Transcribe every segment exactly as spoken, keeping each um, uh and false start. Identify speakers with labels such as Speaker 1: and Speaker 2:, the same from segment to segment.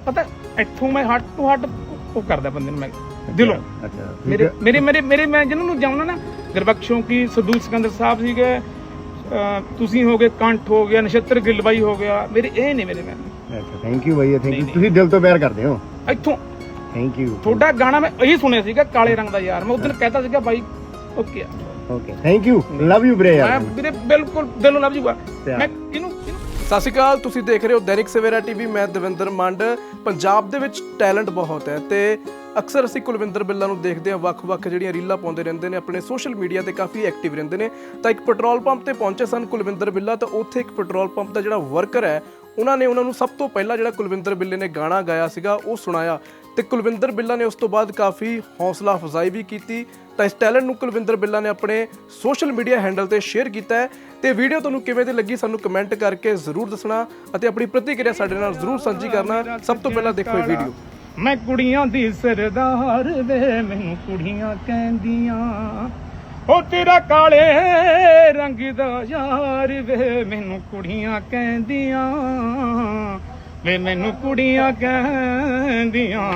Speaker 1: ਪਤਾ ਇੱਥੋਂ ਮੈਂ ਹੱਟ ਤੋਂ ਹੱਟ ਉਹ ਕਰਦਾ ਬੰਦੇ ਨੂੰ ਮੈਂ ਦਿਲੋਂ।
Speaker 2: ਅੱਛਾ
Speaker 1: ਮੇਰੇ ਮੇਰੇ ਮੇਰੇ ਮੇਰੇ ਮੈਂ ਜਿਹਨਾਂ ਨੂੰ ਜਾਣਦਾ ਨਾ, ਗੁਰਬਖਸ਼ੋਂ ਕੀ, ਸਦੂਕ ਸਿਕੰਦਰ ਸਾਹਿਬ ਸੀਗੇ, ਤੁਸੀਂ ਹੋ ਗਏ, ਕੰਠ ਹੋ ਗਿਆ, ਨਛੱਤਰ ਗਿੱਲ ਬਾਈ ਹੋ ਗਿਆ, ਮੇਰੇ ਇਹ ਨੇ ਮੇਰੇ ਮੈਂ।
Speaker 2: ਅੱਛਾ ਥੈਂਕ ਯੂ ਬਾਈ, ਥੈਂਕ ਯੂ। ਤੁਸੀਂ ਦਿਲ ਤੋਂ ਪਿਆਰ ਕਰਦੇ ਹੋ
Speaker 1: ਇੱਥੋਂ।
Speaker 2: Thank you.
Speaker 1: ਤੁਹਾਡਾ ਗਾਣਾ ਮੈਂ ਇਹੀ ਸੁਣਿਆ ਸੀਗਾ, ਕਾਲੇ ਰੰਗ ਦਾ ਯਾਰ, ਮੈਂ ਉਸ ਦਿਨ ਕਹਿਤਾ ਸੀਗਾ ਬਾਈ okay
Speaker 2: okay thank you, love you ਵੀਰੇ ਯਾਰ।
Speaker 1: ਮੈਂ ਵੀਰੇ ਬਿਲਕੁਲ ਦਿਲੋਂ ਲਵ ਯੂ ਆ। ਮੈਂ ਕਿਹਨੂੰ
Speaker 3: ਸਤਿ ਸ਼੍ਰੀ ਅਕਾਲ, ਤੁਸੀਂ ਦੇਖ ਰਹੇ ਹੋ ਦੈਨਿਕ ਸਵੇਰਾ ਟੀਵੀ। ਮੈਂ ਦਵਿੰਦਰ ਮੰਡ। ਪੰਜਾਬ ਦੇ ਵਿੱਚ ਟੈਲੈਂਟ ਬਹੁਤ ਹੈ ਤੇ ਅਕਸਰ ਅਸੀਂ ਕੁਲਵਿੰਦਰ ਬਿੱਲਾ ਨੂੰ ਦੇਖਦੇ ਹਾਂ, ਵੱਖ-ਵੱਖ ਜਿਹੜੀਆਂ ਰੀਲਾਂ ਪਾਉਂਦੇ ਰਹਿੰਦੇ ਨੇ, ਆਪਣੇ ਸੋਸ਼ਲ ਮੀਡੀਆ ਤੇ ਕਾਫੀ ਐਕਟਿਵ ਰਹਿੰਦੇ ਨੇ। ਤਾਂ ਇੱਕ ਪੈਟਰੋਲ ਪੰਪ ਤੇ ਪਹੁੰਚੇ ਸਨ ਕੁਲਵਿੰਦਰ ਬਿੱਲਾ, ਤਾਂ ਉੱਥੇ ਇੱਕ ਪੈਟਰੋਲ ਪੰਪ ਦਾ ਜਿਹੜਾ ਵਰਕਰ ਹੈ ਉਹਨਾਂ ਨੇ ਉਹਨਾਂ ਨੂੰ ਸਭ ਤੋਂ ਪਹਿਲਾਂ ਜਿਹੜਾ ਕੁਲਵਿੰਦਰ ਬਿੱਲੇ ਨੇ ਗਾਣਾ ਗਾਇਆ ਸੀਗਾ ਉਹ ਸੁਣਾਇਆ ਤੇ ਕੁਲਵਿੰਦਰ ਬਿੱਲਾ ਨੇ ਉਸ ਤੋਂ ਬਾਅਦ ਕਾਫੀ ਹੌਸਲਾ ਅਫਜ਼ਾਈ ਵੀ ਕੀਤੀ। ਤਾਂ ਇਸ ਟੈਲੈਂਟ ਨੂੰ ਕੁਲਵਿੰਦਰ ਬਿੱਲਾ ਨੇ ਆਪਣੇ ਸੋਸ਼ਲ ਮੀਡੀਆ ਹੈਂਡਲ ਤੇ ਸ਼ੇਅਰ ਕੀਤਾ ਹੈ ਤੇ ਵੀਡੀਓ ਤੁਹਾਨੂੰ ਕਿਵੇਂ ਦੀ ਲੱਗੀ ਸਾਨੂੰ ਕਮੈਂਟ ਕਰਕੇ ਜ਼ਰੂਰ ਦੱਸਣਾ ਅਤੇ ਆਪਣੀ ਪ੍ਰਤੀਕਿਰਿਆ ਸਾਡੇ ਨਾਲ ਜ਼ਰੂਰ ਸਾਂਝੀ ਕਰਨਾ। ਸਭ ਤੋਂ ਪਹਿਲਾਂ ਦੇਖੋ ਇਹ ਵੀਡੀਓ।
Speaker 1: ਮੈਂ ਕੁੜੀਆਂ ਦੀ ਸਰਦਾਰ ਵੇ, ਮੈਨੂੰ ਕੁੜੀਆਂ ਕਹਿੰਦੀਆਂ, ਉਹ ਤੇਰਾ ਕਾਲੇ ਰੰਗ ਦਾ ਯਾਰ ਵੇ, ਮੈਨੂੰ ਕੁੜੀਆਂ ਕਹਿੰਦੀਆਂ ਵੇ, ਮੈਨੂੰ ਕੁੜੀਆਂ ਕਹਿੰਦੀਆਂ।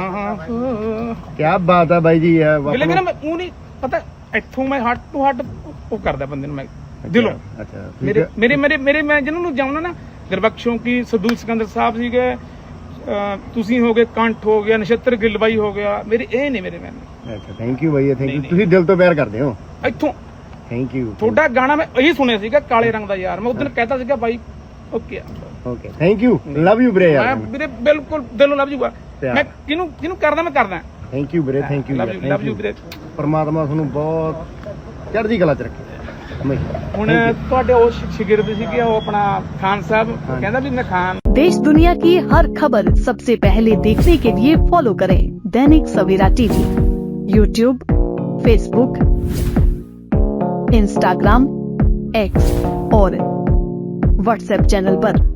Speaker 2: ਕੀ ਬਾਤ ਹੈ ਬਾਈ ਜੀ।
Speaker 1: ਬਿਲੇ ਵੀਰੇ ਮੈਂ ਉਹ ਨਹੀਂ ਪਤਾ ਇੱਥੋਂ ਮੈਂ ਹੱਟ ਤੋਂ ਹੱਟ ਉਹ ਕਰਦਾ ਬੰਦੇ ਨੂੰ ਮੈਂ ਦਿਲੋਂ।
Speaker 2: ਅੱਛਾ
Speaker 1: ਮੇਰੇ ਮੇਰੇ ਮੇਰੇ ਮੇਰੇ ਮੈਂ ਜਿਹਨਾਂ ਨੂੰ ਜਾਣਦਾ ਨਾ, ਗੁਰਬਖਸ਼ੋਂ ਕੀ, ਸਦੂਕ ਸਿਕੰਦਰ ਸਾਹਿਬ ਸੀਗੇ, ਤੁਸੀਂ ਹੋ ਗਏ, ਕੰਠ ਹੋ ਗਿਆ, ਨਛੱਤਰ ਗਿੱਲ ਬਾਈ ਹੋ ਗਿਆ, ਮੇਰੇ ਇਹ ਨੇ ਮੇਰੇ ਮੈਂ।
Speaker 2: ਅੱਛਾ ਥੈਂਕ ਯੂ ਬਾਈ, ਥੈਂਕ ਯੂ। ਤੁਸੀਂ ਦਿਲ ਤੋਂ ਪਿਆਰ ਕਰਦੇ ਹੋ
Speaker 1: ਇੱਥੋਂ।
Speaker 2: Thank you.
Speaker 1: ਤੁਹਾਡਾ ਗਾਣਾ ਮੈਂ ਇਹੀ ਸੁਣਿਆ ਸੀਗਾ, ਕਾਲੇ ਰੰਗ ਦਾ ਯਾਰ, ਮੈਂ ਉਸ ਦਿਨ ਕਹਿਤਾ ਸੀਗਾ ਬਾਈ okay
Speaker 2: okay thank you, love you ਵੀਰੇ ਯਾਰ।
Speaker 1: ਮੈਂ ਵੀਰੇ ਬਿਲਕੁਲ ਦਿਲੋਂ ਲਵ ਯੂ ਆ। ਮੈਂ ਕਿਹਨੂੰ ਕਿਹਨੂੰ ਕਰਦਾ ਮੈਂ ਕਰਦਾ।
Speaker 2: ਥੈਂਕ ਯੂ ਵੀਰੇ, thank you
Speaker 1: love you love you ਵੀਰੇ।
Speaker 2: ਪਰਮਾਤਮਾ ਤੁਹਾਨੂੰ ਬਹੁਤ ਚੜ੍ਹਦੀ ਕਲਾ ਚ ਰੱਖੇ।
Speaker 1: ਹੁਣ ਤੁਹਾਡੇ ਉਹ ਸ਼ਾਗਿਰਦ ਸੀਗੇ, ਉਹ ਆਪਣਾ ਖਾਨ ਸਾਹਿਬ, ਕਹਿੰਦਾ ਵੀ ਮੈਂ ਖਾਨ।
Speaker 4: देश दुनिया की हर खबर सबसे पहले देखने के लिए फॉलो करें Dainik Savera TV, YouTube, Facebook, Instagram, X और व्हाट्सएप चैनल पर।